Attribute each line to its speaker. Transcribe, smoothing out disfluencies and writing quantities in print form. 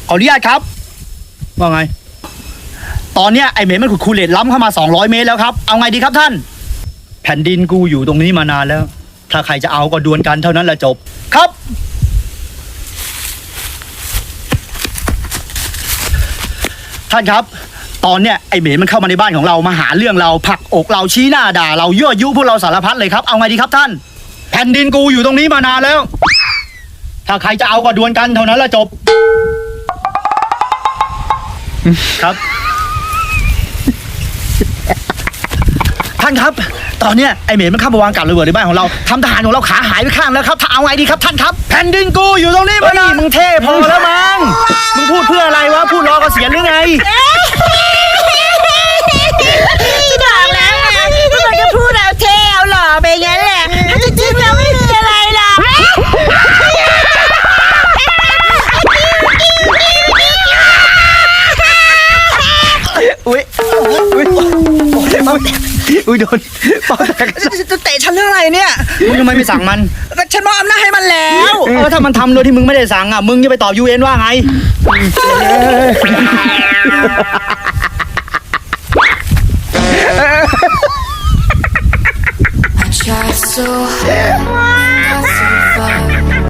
Speaker 1: ขออนุญาตครับว่าไงตอนเนี้ยไอเหม็นมันขุดคูเลตล้ำเข้ามา200 เมตรแล้วครับเอาไงดีครับท่านแผ่นดินกูอยู่ตรงนี้มานานแล้วถ้าใครจะเอาก็ดวลกันเท่านั้นแหละจบครับท่านครับตอนเนี้ยไอเหม็นมันเข้ามาในบ้านของเรามาหาเรื่องเราผลักอกเราชี้หน้าด่าเรายั่วยุพวกเราสารพัดเลยครับเอาไงดีครับท่านแผ่นดินกูอยู่ตรงนี้มานานแล้วถ้าใครจะเอาก็ดวลกันเท่านั้นแหละจบครับท่านครับตอนเนี้ยไอเหม็นมันเข้ามาวางกับระเบิดในบ้านของเราทำทหารของเราขาหายไปข้างแล้วครับถ้าเอาไงดีครับท่านครับแผ่นดินกูอยู่ตรงนี้มานานมึงเท่พอแล้วมั้งมึงพูดเพื่ออะไรวะพูดรอเกษียณหรือไง
Speaker 2: จะบอกแล้วไงมันก็พูดเอาเท่เอาหล่อไปงั้นแหละถ้าจริงๆแล้วไม่มีอะไรหรอก
Speaker 1: อุ้ยโดนเป่าแตก
Speaker 2: จะเตะฉันเรื่องอะไรเนี่ย
Speaker 1: มึงทำไมไม่สั่งมัน
Speaker 2: ฉันมอบอำนาจให้มันแล้ว
Speaker 1: ถ้ามันทำโดยที่มึงไม่ได้สั่งอ่ะมึงจะไปตอบ UN ว่าไง